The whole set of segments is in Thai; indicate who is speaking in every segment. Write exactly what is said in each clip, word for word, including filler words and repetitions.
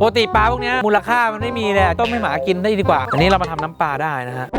Speaker 1: กติปลาพวกนี้มูลค่ามันไม่มีเลยต้มให้หมากินได้ดีกว่าอันนี้เรามาทำน้ำปลาได้นะฮะ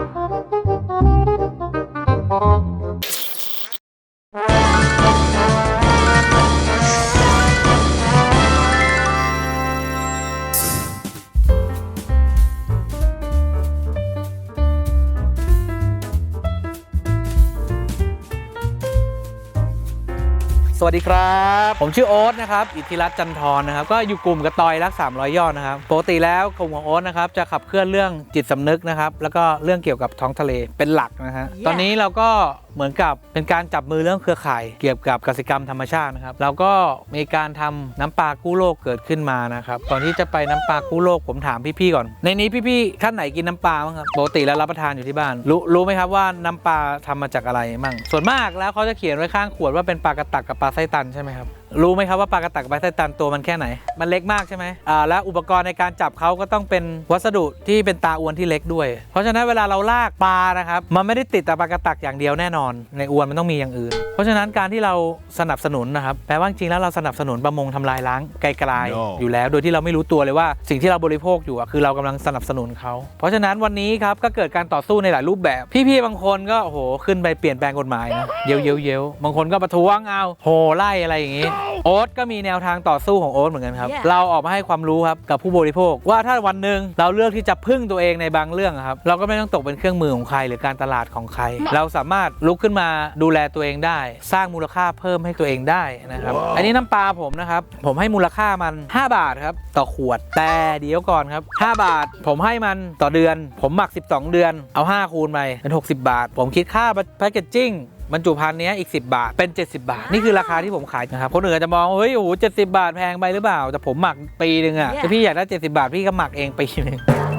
Speaker 1: สวัสดีครับผมชื่อโอ๊ตนะครับอิทธิรัตน์จันทร์นะครับก็อยู่กลุ่มกระตอยรักสามร้อยยอดนะครับปกติแล้วกลุ่มของโอ๊ตนะครับจะขับเคลื่อนเรื่องจิตสำนึกนะครับแล้วก็เรื่องเกี่ยวกับท้องทะเลเป็นหลักนะฮะ yeah. ตอนนี้เราก็เหมือนกับเป็นการจับมือเรื่องเครือข่ายเกี่ยวกับกสิกรรมธรรมชาตินะครับเราก็มีการทำน้ำปลากู้โลกเกิดขึ้นมานะครับก่อนที่จะไปน้ำปลากู้โลกผมถามพี่ๆก่อนในนี้พี่ๆท่านไหนกินน้ำปลาบ้างครับปกติแล้วรับประทานอยู่ที่บ้านรู้รู้ไหมครับว่าน้ำปลาทำมาจากอะไรมั่งส่วนมากแล้วเขาจะเขียนไว้ข้างขวดว่าเป็นปลากระตักกับปลาไส้ตันใช่ไหมครับรู้ไหมครับว่าปลากระตักกับปลาไส้ตันตัวมันแค่ไหนมันเล็กมากใช่ไหมอ่าแล้วอุปกรณ์ในการจับเขาก็ต้องเป็นวัสดุที่เป็นตาอวนที่เล็กด้วยเพราะฉะนั้นเวลาเราลากปลานะครับมันไม่ได้ติดแต่ปลากระตักอย่างเดียวแน่นอนในอวนมันต้องมีอย่างอื่นเพราะฉะนั้นการที่เราสนับสนุนนะครับแปลว่าจริงแล้วเราสนับสนุนประมงทำลายล้างไกลๆ no. อยู่แล้วโดยที่เราไม่รู้ตัวเลยว่าสิ่งที่เราบริโภคอยู่คือเรากำลังสนับสนุนเขาเพราะฉะนั้นวันนี้ครับก็เกิดการต่อสู้ในหลายรูปแบบพี่ๆบางคนก็โอ้โหขึ้นไปเปลี่ยนแปลงกฎหมายนะเย้ยวเย้ยวเย้ยวบางคนก็ประท้วงเอาโหไล่อะไรอย่างนี้โอ๊ตก็มีแนวทางต่อสู้ของโอ๊ตเหมือนกันครับ yeah. เราออกมาให้ความรู้ครับกับผู้บริโภคว่าถ้าวันหนึ่งเราเลือกที่จะพึ่งตัวเองในบางเรื่องครับเราก็ไม่ต้องตกเป็นเครื่องมือของใครหรือการตลาดของใคร เราสามารถลุกขึ้นมาดูแลตัวเองได้สร้างมูลค่าเพิ่มให้ตัวเองได้นะครับ wow. อันนี้น้ำปลาผมนะครับผมให้มูลค่ามันห้าบาทครับต่อขวดแต่เดี๋ยวก่อนครับห้าบาทผมให้มันต่อเดือนผมหมักสิบสองเดือนเอาห้าคูณไปเป็นหกสิบบาทผมคิดค่าแพคเกจจิ้งบรรจุภัณฑ์นี้อีกสิบบาทเป็นเจ็ดสิบบาทนี่คือราคาที่ผมขายนะครับคนอื่นอาจจะมองเฮ้ยโอ้โหเจ็ดสิบบาทแพงไปหรือเปล่าแต่ผมหมักปีนึงอ่ะ yeah. ถ้าพี่อยากได้เจ็ดสิบบาทพี่ก็หมักเองปีนึง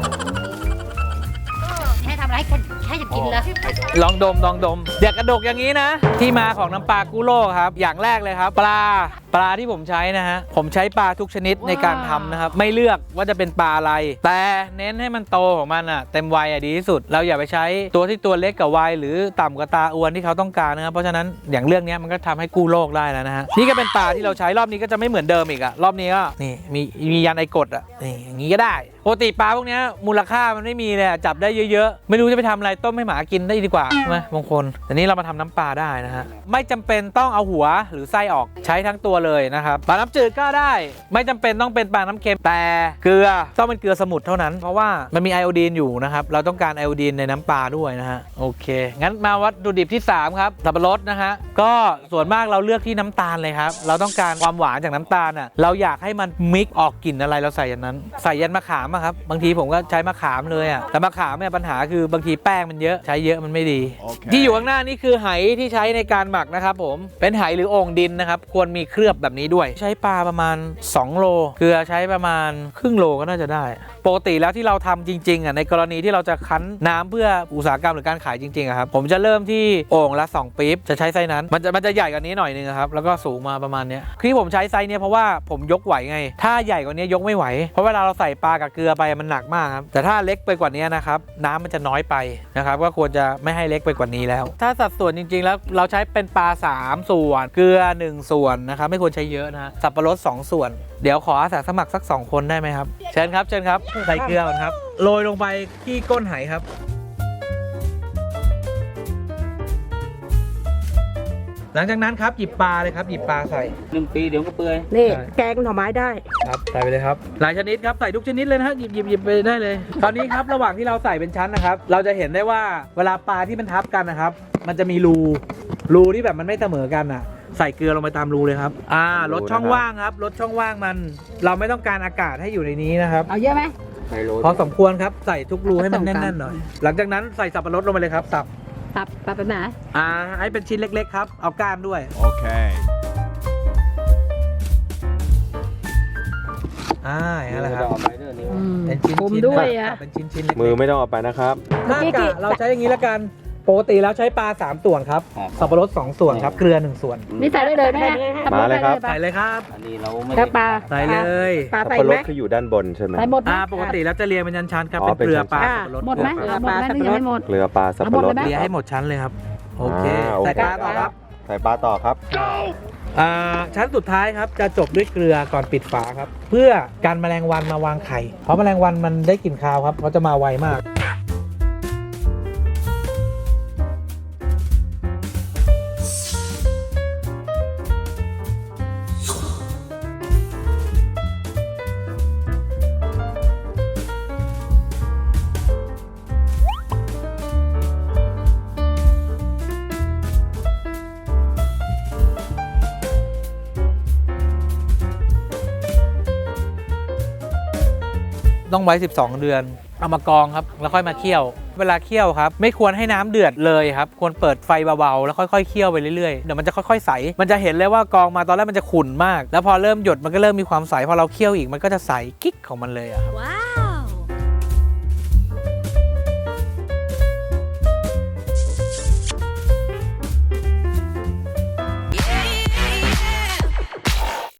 Speaker 2: ให้ทำไรแค่แค่จะกินแล้ว
Speaker 1: ลองดมลองดมเดี๋ยวกระดกอย่างนี้นะที่มาของน้ำปลากู้โลกครับอย่างแรกเลยครับปลาปลาที่ผมใช้นะฮะผมใช้ปลาทุกชนิด wow. ในการทำนะครับไม่เลือกว่าจะเป็นปลาอะไรแต่เน้นให้มันโตของมันอ่ะเต็มวัยอ่ะดีที่สุดเราอย่าไปใช้ตัวที่ตัวเล็กกับวัยหรือต่ำกว่าตาอวนที่เขาต้องการนะครับเพราะฉะนั้นอย่างเรื่องนี้มันก็ทำให้กู้โลกได้แล้วนะฮะนี่ก็เป็นปลาที่เราใช้รอบนี้ก็จะไม่เหมือนเดิมอีกอ่ะรอบนี้ก็นี่มีมียันไอกดอ่ะนี่อย่างนี้ก็ได้ปกติปลาพวกนี้มูลค่ามันไม่มีเลยจับได้เยอะๆไม่รู้จะไปทำอะไรต้มให้หมากินได้ดีกว่าใช่ไหมบางคนแต่นี้เรามาทำน้ำปลาได้นะฮะไม่จำเป็นต้องเอาหัวหรือไส้ออกใช้ทั้งตัวเลยนะครับปลาน้ำจืดก็ได้ไม่จำเป็นต้องเป็นปลาน้ำเค็มแต่เกลือต้องเป็นเกลือสมุทรเท่านั้นเพราะว่ามันมีไอโอดีนอยู่นะครับเราต้องการไอโอดีนในน้ำปลาด้วยนะฮะโอเคงั้นมาวัตถุดิบที่สามครับสับปะรดนะฮะก็ส่วนมากเราเลือกที่น้ำตาลเลยครับเราต้องการความหวานจากน้ำตาลอ่ะเราอยากให้มันมิกออกกลิ่นอะไรเราใส่ยันนั้นใส่ยันมะขามอะครับบางทีผมก็ใช้มะขามเลยอ่ะแต่มะขามเนี่ยปัญหาคือบางทีแป้งมันเยอะใช้เยอะมันไม่ดี okay. ที่อยู่ข้างหน้านี่คือไหที่ใช้ในการหมักนะครับผมเป็นไหหรือโอ่งดินนะครับควรมีเคลือบแบบนี้ด้วยใช้ปลาประมาณสองโลเกลือใช้ประมาณครึ่งโลก็น่าจะได้ปกติแล้วที่เราทำจริงๆอ่ะในกรณีที่เราจะคั้นน้ำเพื่ออุตสาหกรรมหรือการขายจริงๆครับผมจะเริ่มที่โอ่งละสองปี๊บจะใช้ไซส์นั้นมันจะมันจะใหญ่กว่านี้หน่อยนึงครับแล้วก็สูงมาประมาณนี้ที่ผมใช้ไซส์นี้เพราะว่าผมยกไหวไงถ้าใหญ่กว่านี้ยกไม่ไหวเพราะเวลาเราใส่ปลากับเกลือไปมันหนักมากครับแต่ถ้าเล็กไปกว่านี้นะครับน้ำมันจะน้อยไปนะครับก็ควรจะไม่ให้เล็กไปกว่านี้แล้วถ้าสัดส่วนจริงๆแล้วเราใช้เป็นปลาสามส่วนเกลือหนึ่งส่วนนะครับไม่ควรใช้เยอะนะสับปะรดสองส่วนเดี๋ยวขออาสาสมัครสักสองคนได้ไหมครับเชิญครับเชิญครับใส่เกลือก่อนครับโรยลงไปที่ก้นไหครับหลังจากนั้นครับหยิบปลาเลยครับหยิบปลาใส่หนึ่งปีเดี๋ยวก็เปื่อย
Speaker 3: นี่แกงหน่อไม้ได้
Speaker 1: ครับใส่ไปเลยครับหลายชนิดครับใส่ทุกชนิดเลยนะฮะหยิบหยิบหยิบไปได้เลยตอนนี้ครับระหว่างที่เราใส่เป็นชั้นนะครับเราจะเห็นได้ว่าเวลาปลาที่มันทับกันนะครับมันจะมีรูรูที่แบบมันไม่เสมอกันอ่ะใส่เกลือลงไปตามรูเลยครับอ่าลดช่องว่างครับลดช่องว่างมันเราไม่ต้องการอากาศให้อยู่ในนี้นะครับ
Speaker 3: เอาเยอะไหม
Speaker 1: พอสมควรครับใส่ทุกรูให้มันแน่นๆหน่อยหลังจากนั้นใส่สับปะรดลงไปเลยครับสับ
Speaker 3: สับสับไปไหน
Speaker 1: อ่าให้เป็นชิ้นเล็กๆครับเอาก้านด้วยโอเคอ่าอย่างนั้นแหละครับเป็นชิ้นๆด้วยอ่ะเป็นชิ้นๆ
Speaker 4: มือไม่ต้องเอาไปนะครับ
Speaker 1: ถ้ากะเราใช้อย่างนี้ละกันปกติแล้วใช้ปลาสามส่วนครับสับปะรดสองส่วนครับเกลือหนึ่งส่วน
Speaker 3: นี่ใส่ได้เลยไหม
Speaker 4: มาเลยครับ
Speaker 1: ใส่เลยครับ
Speaker 2: อันนี้เราไม่
Speaker 3: ปลา
Speaker 1: ใส่เลย
Speaker 3: ปลา
Speaker 4: สับปะรดคืออยู่ด้านบนใช่ไหม
Speaker 3: ใส่หมด
Speaker 1: อ่าปกติแล้วจะเรียงเป็นชั้นๆครับเป็นเกลือปลาสับปะรด
Speaker 3: หมดไหมเกลือปลาสับปะรดหมด
Speaker 4: เกลือปลาสับปะรด
Speaker 1: เรียงให้หมดชั้นเลยครับโอเคใส่ปลาต่อครับ
Speaker 4: ใส่ปลาต่อครับ
Speaker 1: อ่าชั้นสุดท้ายครับจะจบด้วยเกลือก่อนปิดฝาครับ เพื่อการแมลงวันมาวางไข่เพราะแมลงวันมันได้กลิ่นคาวครับเขาจะมาไวมาก ต้องไว้ สิบสอง เดือน เอามากรองครับ แล้วค่อยมาเคี่ยว เวลาเคี่ยวครับ ไม่ควรให้น้ำเดือดเลยครับ ควรเปิดไฟเบาๆ แล้วค่อยๆ เคี่ยวไปเรื่อยๆ เดี๋ยวมันจะค่อยๆ ใส มันจะเห็นเลยว่ากรองมาตอนแรกมันจะขุ่นมาก แล้วพอเริ่มหยดมันก็เริ่มมีความใส พอเราเคี่ยวอีกมันก็จะใสกิ๊กของมันเลยอะครับ
Speaker 2: ว้าว